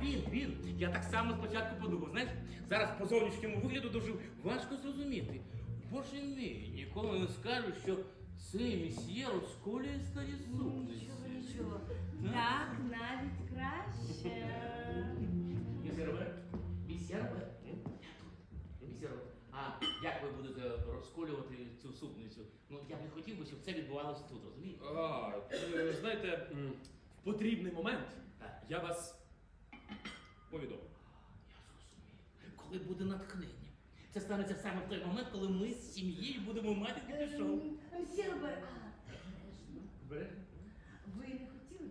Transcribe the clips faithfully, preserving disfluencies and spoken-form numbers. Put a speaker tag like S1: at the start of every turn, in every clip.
S1: він, він. Я так само спочатку подумав, знаєш, зараз по зовнішньому вигляду дуже важко зрозуміти. Боже мій, ніколи не скажу, що цей месьє розколює старі супниці.
S2: Нічого, нічого. Так, навіть краще.
S1: Місьє Роберт, місьє Роберт, я тут. Місьє Роберт, а як ви будете розколювати цю супницю? Ну, я б не хотів би, щоб це відбувалося тут, розумієте?
S3: А, е, знаєте, м, в потрібний момент
S1: Так.
S3: я вас повідомлю.
S1: Я зрозумів. Коли буде натхнення. Це станеться саме в той момент, коли ми з сім'єю будемо мати таке шоу.
S2: Мсьє Робер, а, обережно.
S1: Бере?
S2: Ви не хотіли?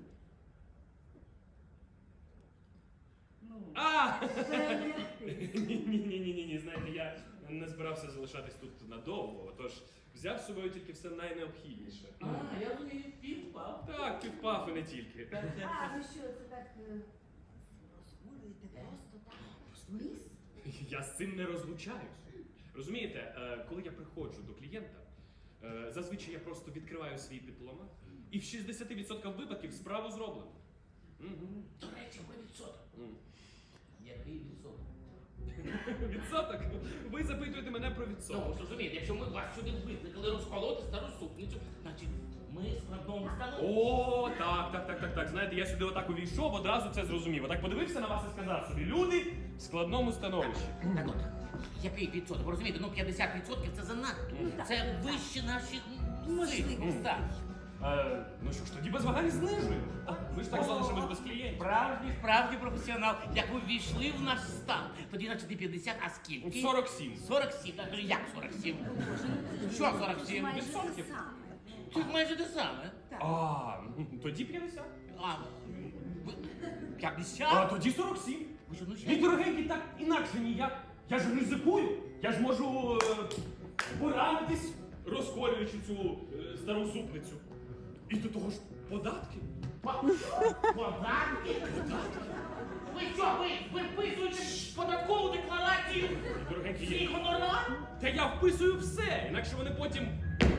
S2: Ну,
S3: А!
S2: перелягти.
S3: Ні, ні, ні, ні, ні, ні, знаєте, я не збирався залишатись тут надовго, тож взяв з собою тільки все найнеобхідніше.
S1: А, я розумію, півпав.
S3: Так, півпав і не тільки.
S2: А, ви що, це так е, розколюєте просто так? Вниз?
S3: Я з цим не розлучаюсь. Розумієте, е, коли я приходжу до клієнта, е, зазвичай я просто відкриваю свій дипломат, і в шістдесят відсотків випадків справу зроблено. Мгм.
S1: До речі, про відсоток.
S3: М.
S1: Який відсоток?
S3: Відсоток? Ви запитуєте мене про
S1: Ну,
S3: відсоток.
S1: розумієте, якщо ми вас сюди викликали розколоти стару супницю, значить ми складному становищі.
S3: О, так, так, так, так, так. Знаєте, я сюди отак увійшов, одразу це зрозумів. Отак подивився на вас і сказав собі, люди в складному становищі.
S1: Так от, який відсоток? Ви розумієте, ну п'ятдесят відсотків це занадто. Це вище наших
S2: Можливо.
S1: сил. Так.
S3: Е, ну що ж, тоді без вагань знижуємо. А, Ми ж так залишимось без клієнтів.
S1: Справжній, справді професіонал. Як ви ввійшли в наш стан, тоді значить не п'ятдесят, а скільки?
S3: сорок сім.
S1: сорок сім. Так, ну, як сорок сім? Що сорок сім?
S2: Майже те
S3: відсотків?
S2: саме.
S1: Тут майже те саме.
S2: Так.
S3: А, ну, тоді п'ятдесят.
S1: А, ви-
S3: А
S1: п'ятдесят?
S3: тоді сорок сім.
S1: Ви що, ну
S3: Мій
S1: що?
S3: дорогенький, так інакше ніяк. Я ж ризикую. Я ж можу е, поранитись, розколюючи цю е, стару супницю. І до того ж податки.
S1: По- Податки? Ви що, ви виписуєте податкову декларацію?
S3: Дорогенький,
S1: Свій
S3: я...
S1: гонорар?
S3: Та я вписую все, інакше вони потім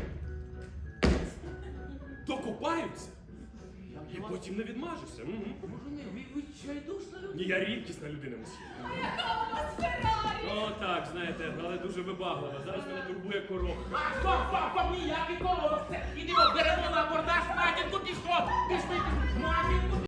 S3: докопаються. І потім не відмажуся. Мгм.
S1: Боже мій, ви, ви чайдушна людина.
S3: Ні, я рідкісна людина, мусі.
S2: Яка у вас Феррарі?
S3: О, так, знаєте, але дуже вибаглива. Зараз мене турбує коробка.
S1: А, стоп, стоп, стоп, ніякий коробок. Це, ідемо, беремо на абордаж матінку, пішло, пішли, матінку,